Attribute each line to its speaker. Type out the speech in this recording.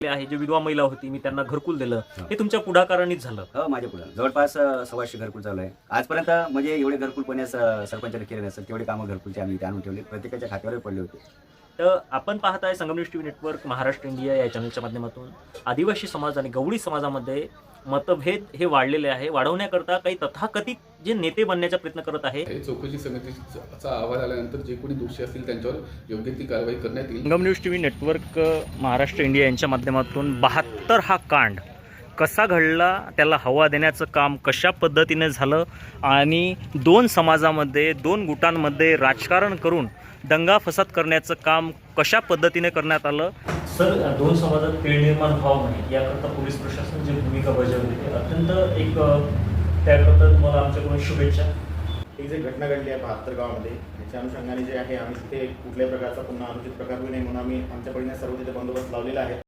Speaker 1: आहे, जे विधवा महिला होती मी त्यांना घरकुल दिलं, हे तुमच्या पुढाकारानेच झालं.
Speaker 2: हो, माझ्या पुढं जवळपास 125 घरकुल चालू आहे आजपर्यंत. म्हणजे एवढे घरकुल पुण्यास सरपंचाने केले नसेल तेवढे कामं घरकुलचे आम्ही इथे आणून ठेवले, प्रत्येकाच्या खात्यावर पडले होते.
Speaker 1: तर आपण पाहताय Sangamner TV network Maharashtra India या चॅनलच्या माध्यमातून आदिवासी समाज आणि गवळी समाजामध्ये मतभेद हे वाढलेले आहे. वाढवण्याकरता काही तथाकथित जे नेते बनण्याचा प्रयत्न करत आहे.
Speaker 3: चौकशी समितीचा अहवाल आल्यानंतर जे कोणी दोषी असतील त्यांच्यावर योग्य ती कारवाई करण्यात येईल.
Speaker 1: Sangamner TV network Maharashtra India यांच्या माध्यमातून 72 हा कांड कसा घडला, त्याला हवा देण्याचं काम कशा पद्धतीने झालं आणि दोन समाजामध्ये, दोन गुटांमध्ये राजकारण करून दंगा फसाद करण्याचं काम कशा पद्धतीने करण्यात आलं. सर, दोन समाजात तेढ निर्माण व्हावं नाही याकरता पोलीस प्रशासन जी भूमिका बजावली ते अत्यंत एक त्याकरता तुम्हाला आमच्याकडून शुभेच्छा.
Speaker 4: ही जी घटना घडली आहे 72 गावामध्ये, त्याच्या अनुषंगाने जे आहे आम्ही तिथे कुठल्याही प्रकारचा पुन्हा अनुचित प्रकार होऊ नये म्हणून आम्ही आमच्या परीने सर्व तिथे बंदोबस्त लावलेला आहे.